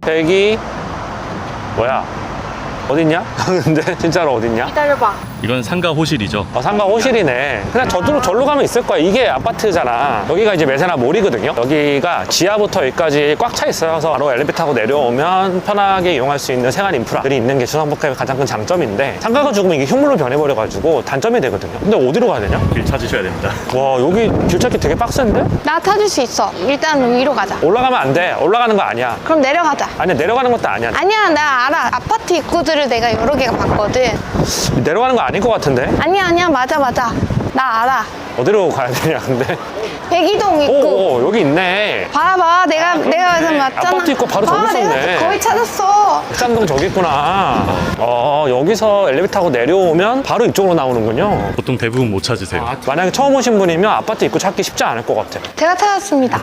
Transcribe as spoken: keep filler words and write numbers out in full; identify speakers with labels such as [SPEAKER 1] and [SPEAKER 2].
[SPEAKER 1] 백이 뭐야? 어딨냐? 근데 진짜로 어딨냐?
[SPEAKER 2] 기다려봐.
[SPEAKER 3] 이건 상가 호실이죠.
[SPEAKER 1] 어, 상가 호실이네. 그냥 저쪽으로 절로 가면 있을 거야. 이게 아파트잖아. 여기가 이제 메세나 몰이거든요. 여기가 지하부터 여기까지 꽉 차 있어요. 그래서 바로 엘리베이터 타고 내려오면 편하게 이용할 수 있는 생활 인프라들이 있는 게 주상복합의 가장 큰 장점인데, 상가가 죽으면 이게 흉물로 변해버려가지고 단점이 되거든요. 근데 어디로 가야 되냐?
[SPEAKER 3] 길 찾으셔야 됩니다.
[SPEAKER 1] 와, 여기 길 찾기 되게 빡센데?
[SPEAKER 2] 나 타줄 수 있어. 일단 위로 가자.
[SPEAKER 1] 올라가면 안 돼. 올라가는 거 아니야.
[SPEAKER 2] 그럼 내려가자.
[SPEAKER 1] 아니야, 내려가는 것도 아니야.
[SPEAKER 2] 아니야, 나 알아. 아파트 입구들을 내가 여러 개가 봤거든.
[SPEAKER 1] 내려가는 거 아닐 것 같은데?
[SPEAKER 2] 아니야, 아니야. 맞아, 맞아. 나 알아.
[SPEAKER 1] 어디로 가야 되냐, 근데?
[SPEAKER 2] 백이동
[SPEAKER 1] 오,
[SPEAKER 2] 입구.
[SPEAKER 1] 오, 여기 있네.
[SPEAKER 2] 봐봐, 봐. 내가, 내가 그래서 맞잖아.
[SPEAKER 1] 아파트 입구 바로 저기
[SPEAKER 2] 봐,
[SPEAKER 1] 있었네.
[SPEAKER 2] 내가 거의 찾았어.
[SPEAKER 1] 쌍동 저기 있구나. 어, 여기서 엘리베이터 타고 내려오면 바로 이쪽으로 나오는군요.
[SPEAKER 3] 보통 대부분 못 찾으세요.
[SPEAKER 1] 만약에 처음 오신 분이면 아파트 입구 찾기 쉽지 않을 것 같아.
[SPEAKER 2] 제가 찾았습니다.